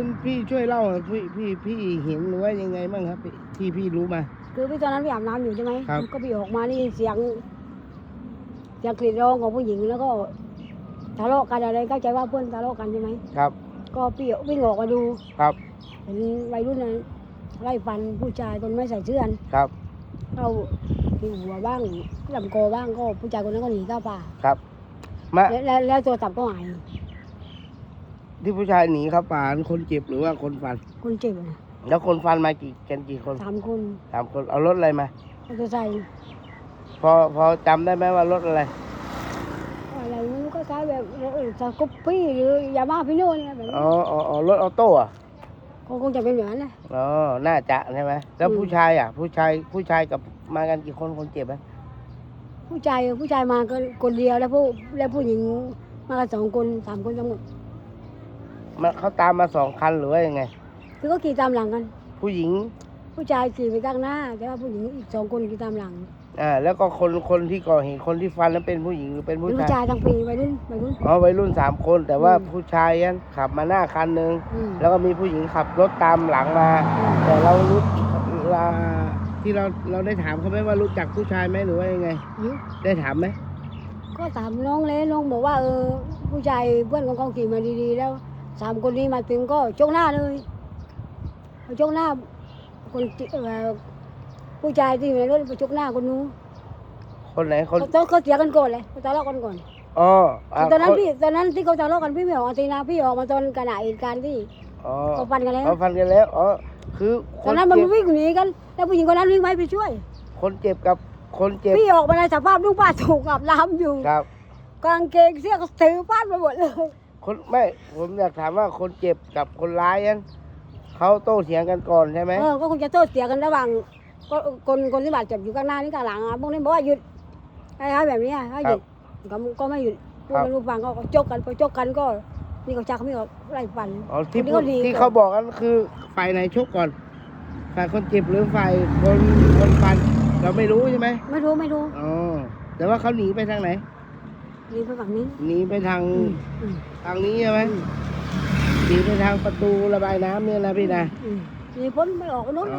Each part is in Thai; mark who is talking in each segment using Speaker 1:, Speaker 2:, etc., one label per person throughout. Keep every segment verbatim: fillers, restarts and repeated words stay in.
Speaker 1: นพี่ช่วยเล่าพี่พี่พี่เห็นหรือว่ายังไงบ้างครับที่พี่รู้มา
Speaker 2: คือพี่ตอนนั้นพี่อาบน้ำอยู่ใช่ไหม
Speaker 1: ครับ
Speaker 2: ก็พี่ออกมานี่เสียงเสียงกรีดร้องของผู้หญิงแล้วก็ทะเลาะกันอะไรเข้าใจว่าเพื่อนทะเลาะกันใช่ไหมครับก็พี่วิ่งออกมาดูครับเห็นวัยรุ่นนั้นไล่ฟันผู้ชายคนไม่ใส่เสื้อครับเข้าที่หัวบ้างลำคอบ้างก็ผู้ชายคนนั้นก็หนีเข้าป่าครับมาแล้วแล้วโทรศัพท์ก็หาย
Speaker 1: ที่ผู้ชายหนีครับป่าคนเจ็บหรือว่าคนฟัน
Speaker 2: คนเจ็บนะ
Speaker 1: แล้วคนฟันมากี่กันกี่คน
Speaker 2: สามคน
Speaker 1: สามคนเอารถอะไรมาม
Speaker 2: อเตอร์ไซค์
Speaker 1: พอพอจำได้ไหมว่ารถอะไร
Speaker 2: อะไรไม่รู้ก็คล้ายแบบสกูปปี้หรือยามาพิโน่เนี่ยแบบนี้
Speaker 1: อ๋ออ๋อรถออโต้อะ
Speaker 2: คงจะเป็นอย่างนั้นนะ
Speaker 1: อ๋อน่าจะใช่ไหมแล้วผู้ชายอ่ะผู้ชายผู้ชายกับมากันกี่คนคนเจ็บไหม
Speaker 2: ผู้ชายผู้ชายมาก็คนเดียวแล้วผู้แล้วผู้หญิงมากันสองคนสามคนทั้งหมด
Speaker 1: มันเขาตามมาสองคันหรือว่ายังไง
Speaker 2: คือก็ขี่ตามหลังกัน
Speaker 1: ผู้หญิง
Speaker 2: ผู้ชายขี่ไปข้างหน้าแต่ว่าผู้หญิงอีกสองคนขี่ตามหลัง
Speaker 1: อ่าแล้วก็คนคนที่ก่อเหตุคนที่ฟันนั้นเป็นผู้หญิงหรือเป็นผู้ชาย
Speaker 2: ผู้ชายทั้งปีวัยรุ่นวัยรุ่น
Speaker 1: อ๋อวัยรุ่นสามคนแต่ว่าผู้ชายนั้นขับมาหน้าคันหนึ่งแล้วก็มีผู้หญิงขับรถตามหลังมาแต่เรารู้เราที่เราเราได้ถามเขาไหมว่ารู้จักผู้ชายไหมหรือว่ายังไงได้ถามไหม
Speaker 2: ก็ถามน้องเลยน้องบอกว่าเออผู้ชายเพื่อนของเขาขี่มาดีๆแล้วสามคนนี้มาถึงก็ชกหน้าเลยชกหน้าคนผู้ชายที่อยู่ในรถไปชกหน้าคนนู้น
Speaker 1: คนไหนคน
Speaker 2: เขาเขาเสียกันก่อนเลยเขาทะเลาะกันก่อน
Speaker 1: อ๋อ
Speaker 2: ตอนนั้นพี่ตอนนั้นที่เขาทะเลาะกันพี่ไม่ออกตีนาพี่ออกมาตอนขณะเหตุการณ์ที่เขาฟันกันแล้ว
Speaker 1: เขาฟันกันแล้วอ๋อคือ
Speaker 2: ตอนนั้นมันวิ่งหนีกันแล้วผู้หญิงคนนั้นวิ่งไปไปช่วย
Speaker 1: คนเจ็บกับคนเจ็บ
Speaker 2: พี่ออกมาในสภาพลูกป้าถูกอาบน้ำอยู่
Speaker 1: ครับ
Speaker 2: กางเกงเสื้อก็ถือฟาดไปหมดเลย
Speaker 1: คนไม่ผมอยากถามว่าคนเจ็บกับคนร้ายนั้นเขาโต้เถียงกันก่อนใช่ไหม
Speaker 2: เออก็คงจะโต้เถียงกันระหว่างคนคนที่บาดเจ็บอยู่ข้างหน้านี่ข้างหลังอ่ะพวกนี้บอกว่าหยุดไอ้ๆแบบนี้ให้หยุดก็ก็ไม่หยุดพวกนั้นลูกฟังก็จกกันพอจกกันก็นี่เขาชักไม่ออกไล่ฟัน
Speaker 1: อ๋อที่ที่เขาบอกกันคือฝ่ายไหนชกก่อนฝ่ายคนเจ็บหรือฝ่ายคนคนฟันเราไม่รู้ใช่ไหม
Speaker 2: ไม่รู้ไม่รู้
Speaker 1: อ๋อแต่ว่าเขาหนีไปทางไหน
Speaker 2: หนีไปฝั่งนี้
Speaker 1: หนีไปทางทางนี้ใช่ไหมหนีไปทางประตูระบายน้ำเนี่ยนะพี่นะ
Speaker 2: หนีพ้นไม่ออกนู้น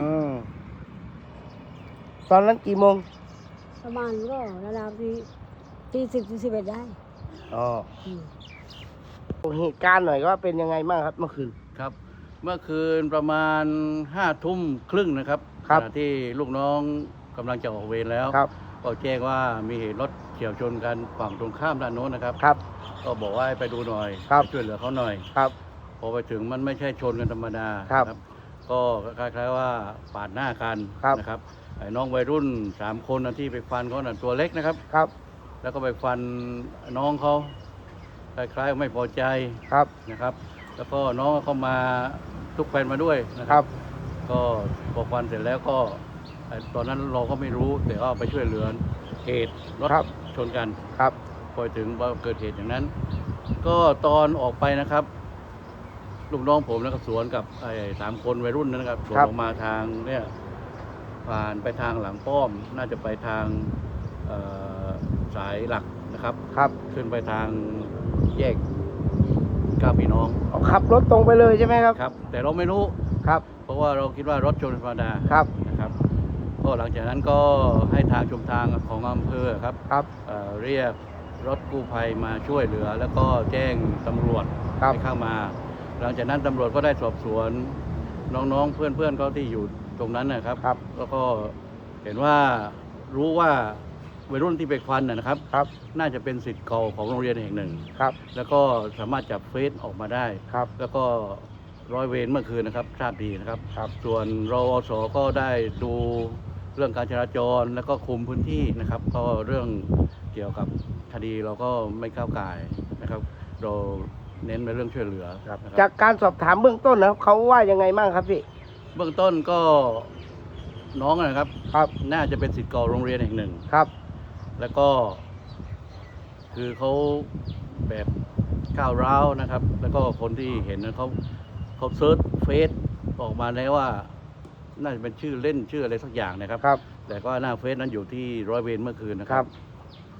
Speaker 1: ตอนนั้นกี่โมง
Speaker 2: ประมาณก็ระดับที่ที่สิบสิบเอ็ดได้
Speaker 1: อ๋อเหตุการณ์หน่อยว่าเป็นยังไงบ้างครับเมื่อคืน
Speaker 3: ครับเมื่อคืนประมาณห้าทุ่มครึ่งนะครับขณะที่ลูกน้องกำลังจะออกเวรแล้วก็แจ้งว่ามีเหตุรถเฉี่ยวชนกันฝั่งตรงข้ามด้านโน้นนะครับ
Speaker 1: ครับ
Speaker 3: ก็บอกว่าไปดูหน่อยช่วยเหลือเขาหน่อย
Speaker 1: ครับ
Speaker 3: พอไปถึงมันไม่ใช่ชนกันธรรมดา
Speaker 1: ครับ
Speaker 3: ก็คล้ายๆว่าปาดหน้ากันนะครับไอ้น้องวัยรุ่นสามคนที่ไปฟันเขาน่ะตัวเล็กนะครับ
Speaker 1: ครับ
Speaker 3: แล้วก็ไปฟันน้องเขาคล้ายๆไม่พอใจ
Speaker 1: ครับ
Speaker 3: นะครับแล้วก็น้องเขามาทุกแฟนมาด้วยนะครับก็พอฟันเสร็จแล้วก็ตอนนั้นเราก็ไม่รู้แต่ก็ไปช่วยเหลือเหตุรถชนกัน
Speaker 1: ครับ
Speaker 3: พอถึงว่าเกิดเหตุอย่างนั้นก็ตอนออกไปนะครับลูกน้องผมแล้วก็สวนกับไอ้สามคนวัยรุ่นนะครับสวนออกมาทางเนี่ยผ่านไปทางหลังป้อมน่าจะไปทางสายหลักนะครับ
Speaker 1: ครับ
Speaker 3: ขึ้นไปทางแยกก้าวพี่น้อง
Speaker 1: ขับรถตรงไปเลยใช่ไหมครับ
Speaker 3: ครับแต่เราไม่รู้
Speaker 1: ครับ
Speaker 3: เพราะว่าเราคิดว่ารถชนธรรมดา
Speaker 1: ครับ
Speaker 3: นะครับก็หลังจากนั้นก็ให้ทางชุมทางของอำเภอครับ
Speaker 1: ครับ
Speaker 3: เอ่อเรียกรถกู้ภัยมาช่วยเหลือแล้วก็แจ้งตำรวจให้เข้ามาหลังจากนั้นตำรวจก็ได้สอบสวนน้องๆเพื่อนๆเขาที่อยู่ตรงนั้นนะครับแล้วก็เห็นว่ารู้ว่าวัยรุ่นที่ไปฟันนะครับ
Speaker 1: ครับ
Speaker 3: น่าจะเป็นศิษย์เก่าของโรงเรียนแห่งหนึ่ง
Speaker 1: ครับ
Speaker 3: แล้วก็สามารถจับเฟซออกมาได้
Speaker 1: ครับ
Speaker 3: แล้วก็ร้อยเวรเมื่อคืนนะครับทราบดีนะครับ
Speaker 1: ครับ
Speaker 3: ส่วนรอสก็ได้ดูเรื่องการจราจรแล้วก็คุมพื้นที่นะครับก็เรื่องเกี่ยวกับคดีเราก็ไม่ก้าวไก่นะครับเราเน้นในเรื่องช่วยเหลือ
Speaker 1: จากการสอบถามเบื้องต้นนะเขาว่ายังไงบ้างครับพี่
Speaker 3: เบื้องต้นก็น้องนะครับ
Speaker 1: ครับ
Speaker 3: น่าจะเป็นศิษย์เก่าโรงเรียนแห่งหนึ่ง
Speaker 1: ครับ
Speaker 3: แล้วก็คือเขาแบบก้าวร้าวนะครับแล้วก็คนที่เห็นนะเขาเขาเซิร์ชเฟซออกมาแล้วว่าน่าจะเป็นชื่อเล่นชื่ออะไรสักอย่างนะครับ
Speaker 1: ครับ
Speaker 3: แต่ก็หน้าเฟซนั้นอยู่ที่ร้อยเวรเมื่อคืนนะครับ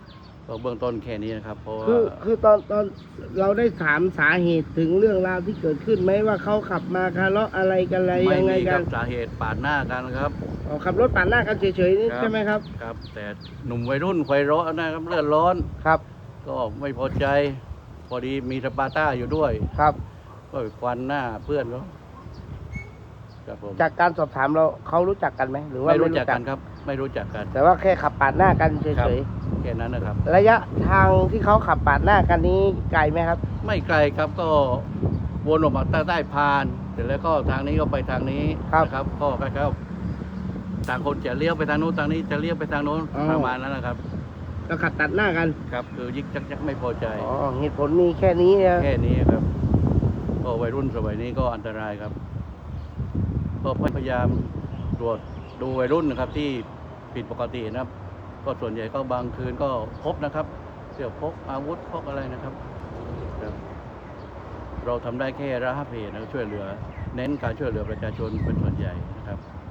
Speaker 3: ก็เบื้องต้นแค่นี้นะครับเพราะว่า
Speaker 1: คือคือตอนตอนเราได้ถามสาเหตุถึงเรื่องราวที่เกิดขึ้นไหมว่าเขาขับมาทะเลาะอะไรกันอะไร
Speaker 3: ไม่
Speaker 1: ยังไง
Speaker 3: มีค
Speaker 1: กั
Speaker 3: รั
Speaker 1: น
Speaker 3: บสาเหตุปาดหน้ากันครับ
Speaker 1: อ๋อขับรถปาดหน้ากันเฉยๆนี่
Speaker 3: ครับ
Speaker 1: ใช่ไหมครับ
Speaker 3: ครับ แต่หนุ่มวัยรุ่นไฟร้อนนะครับเลือดร้อน
Speaker 1: ครับ
Speaker 3: ก็ไม่พอใจ พอดีมีสปาร์ต้าอยู่ด้วย
Speaker 1: ครับ
Speaker 3: ก็ไปควันหน้าเพื่อนเขาครับผม
Speaker 1: จากการสอบถามเราเขารู้จักกันไหมหรือว่า
Speaker 3: ไม่รู้จักกันครับ ไม่รู้จักกัน
Speaker 1: แต่ว่าแค่ขับปาดหน้ากันเฉ
Speaker 3: ครับ
Speaker 1: ย
Speaker 3: แค่นั้นนะครับ
Speaker 1: ๆระยะทางที่เขาขับปาดหน้ากันนี้ไกลไหมครับ
Speaker 3: ไม่ไกลครับก็วนออกมาใต้ใต้พานเสร็จแล้วก็ทางนี้ก็ไปทางนี้
Speaker 1: ครับ
Speaker 3: นะครับ ก็คล้ายๆต่างคนจะเลี้ยวไปทางโน้นทางนี้จะเลี้ยวไปทางโน้น
Speaker 1: อ๋อ
Speaker 3: ประมาณนั้นนะครับ
Speaker 1: ก็ขับตัดหน้ากัน
Speaker 3: ครับคือยิกจักจักไม่พอใจ
Speaker 1: อ๋อเหตุผลมีแค่นี้นะ
Speaker 3: แค่นี้ครับก็วัยรุ่นสมัยนี้ก็อันตรายครับ ก็พยายามตรวจดูวัยรุ่นนะครับ ที่ผิดปกตินะครับ ก็ส่วนใหญ่ก็บางคืนก็พบนะครับ เสี่ยวพกอาวุธพกอะไรนะครับครับ เราทำได้แค่ระงับเหตุนะครับช่วยเหลือ เน้นการช่วยเหลือประชาชนเป็นส่วนใหญ่นะครับ